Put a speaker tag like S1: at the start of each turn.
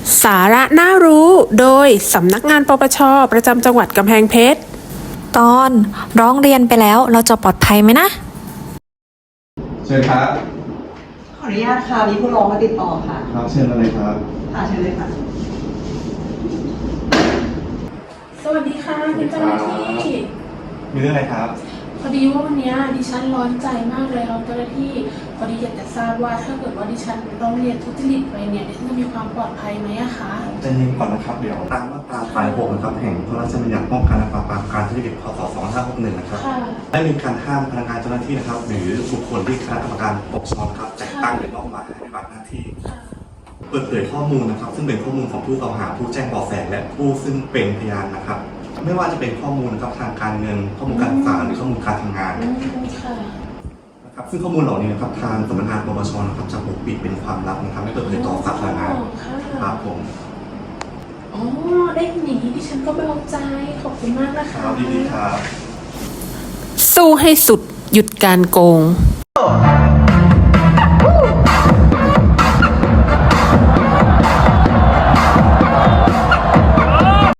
S1: สาระน่ารู้โดยสำนักงานปปช.ประจำจังหวัดกำแพงเพชร
S2: ตอนร้องเรียนไปแล้วเราจะปลอดภัยไหมนะ
S3: เชิญครับ
S4: ขออนุญาตค่ะมีผู้ร้องมาติดต่อค่ะ
S3: ครับเชิญอะไรครับ
S4: ค่ะเชิญเลยค่ะ
S1: สวัสดีค่ะคุณเจ้าหน้าที่
S3: มีเรื่องอะไรครับ
S1: พอดีว่าวันนี้ดิฉันร้อนใจมากเลยครับเจ้าหน้าที่พอดีอยากจะทราบว่าถ้าเกิดว่าดิฉันร้องเรียนทุจริตไปเนี่ยดิฉันจะมีความปลอดภัยไหมอะคะ
S3: ใจเย็นก่อนนะครับเดี๋ยวตามมาตรา6นะครับแห่งพระราชบัญญัติป้องกันและปราบปรามการทุจริตพ.ศ. 2561นะครับได้มีการห้ามพนักงานเจ้าหน้าที่นะครับหรือบุคคลที่คณะกรรมการปกครองครับแต่งตั้งหรือมอบหมายให้ปฏิบัติหน้าที่เปิดเผยข้อมูลนะครับซึ่งเป็นข้อมูลของผู้กล่าวหาผู้แจ้งเบาะแสและผู้ซึ่งเป็นพยานนะครับไม่ว่าจะเป็นข้อมูลนะครับทางการเงินข้อมูลการศึกษาหรือข้อมูลการทำงานนะครับซึ่งข้อมูลเหล่านี้นะครับทางสำนักงานปปช.นะครับจะปกปิดเป็นความลับนะครับไม่เปิดเผยต่อสาธารณะครับผม
S1: อ๋อได้หนีดิฉันก็เบาใจขอบคุณมากนะคะ
S3: ครับดีครับ
S1: สู้ให้สุดหยุดการโกง